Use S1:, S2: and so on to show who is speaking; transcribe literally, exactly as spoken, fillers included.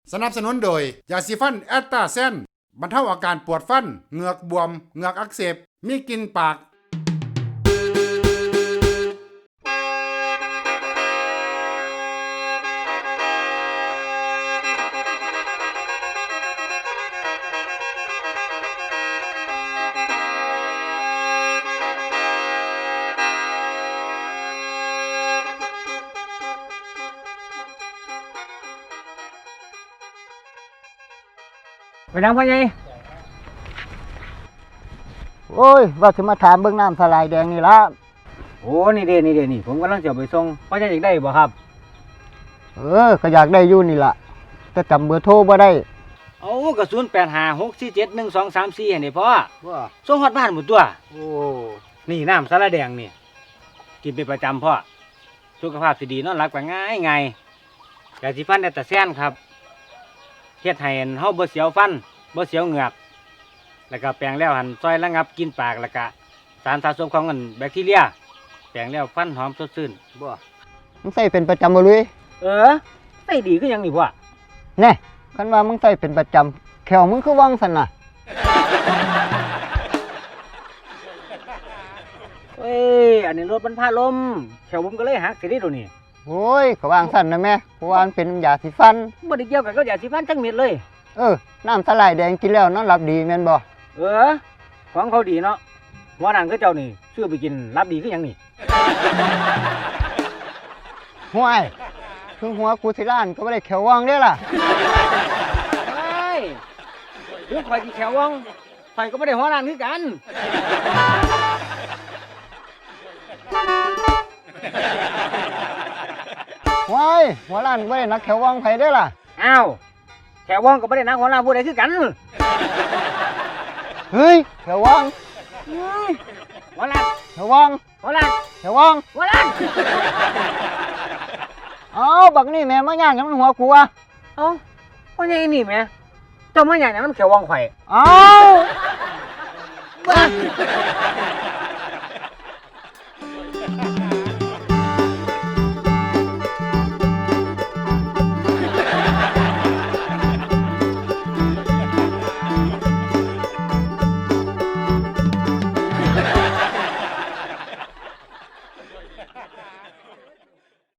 S1: สนับสนุนโดยยาสีฟันแอตตาเซนบรรเทาอาการปวดฟันเหงือกบวมเหงือกอักเสบมีกลิ่นปาก
S2: ไปนั่งพ่อใหญ่
S3: โอ้ยว่าจะมาถามเบื้องน้ำสลายแดงนี่ละ
S2: โอ้นี่เด้นี่เด้นี่ผมกำลังจะไปส่งพ่อใหญ่อยากได้บ่ครับ
S3: เออก็อยากได้อยู่นี่ละแต่จำเบอร์โทรบ่ได้
S2: เอากระสุนแปดห้าหกสี่เจ็ดหนึ่งสองสามสี่เห็นไหมพ่อ
S3: ว่า
S2: ส่งฮอดบ้านหมดตัว
S3: โอ้
S2: นี่น้ำสาลาแดงนี่กินเป็นประจำพ่อสุขภาพสิดีนอนหลับก็ง่ายง่ายยาสีฟันแอตตาแซนครับเฮ็ดให้เฮาบ่เสียวฟันบ่เสียวเหงือกแล้วก็แปรงแล้วหันซอยระงับกลิ่นปากแล้วก็สารสะสมของกันแบคทีเรียแปรงแล้วฟันหอมสดชื่น
S3: บ่มึงใส่เป็นประจำบ่ลุย
S2: เออใส่ดีคือหยังนี่พ่อ
S3: แน่คันว่ามึงใส่เป็นประจำแขวมึงคือว่างสั่นน่ะ
S2: เอ้ยอันนี้รถมันพาลมแถวผมก็เลยหักสิได้ดูนี่
S3: โอ้ยก็ว่างสั่นนะแม่เพราะว่ามันเป็นยาสีฟัน
S2: บ่ได้เกี่ยวกับก็ยาสีฟันจังเม็ดเลย
S3: เออน้ำสลายแดงกินแล้วนอนหลับดีแม่นบ่
S2: เออของเขาดีเนาะหัวหนังก็เจ้านี่ซื้อไปกินรับดีคือหยังนี่
S3: ห่วยถึงหัวกูสิล้านก็บ่ได้แขวว่างเด้ล่ะ
S2: ไอ้เรื่องข่อยที่แขววังข่อยก็ไม่ได้หัวหนังคือกัน
S3: ห่วยหัวล้านบ่ได้นักแขวว่างไผเด้ล่ะ
S2: อ้าวแขววังก็ไม่ได้นักหัวหน้าผู้ใดคือกัน
S3: เฮ้ยแขวว่าง
S2: หัวหน้า
S3: แขวว่าง
S2: หัวหน้า
S3: แขวว่าง
S2: หัวหน้า
S3: เอ้าบักนี่แม่มาย่างกับมันหัวกูอ่ะ
S2: เอ้าพ่อใหญ่นี่แหม่เจ้ามาอย่างนั้นมันแขววังข่อย
S3: เอ้า
S2: บ้า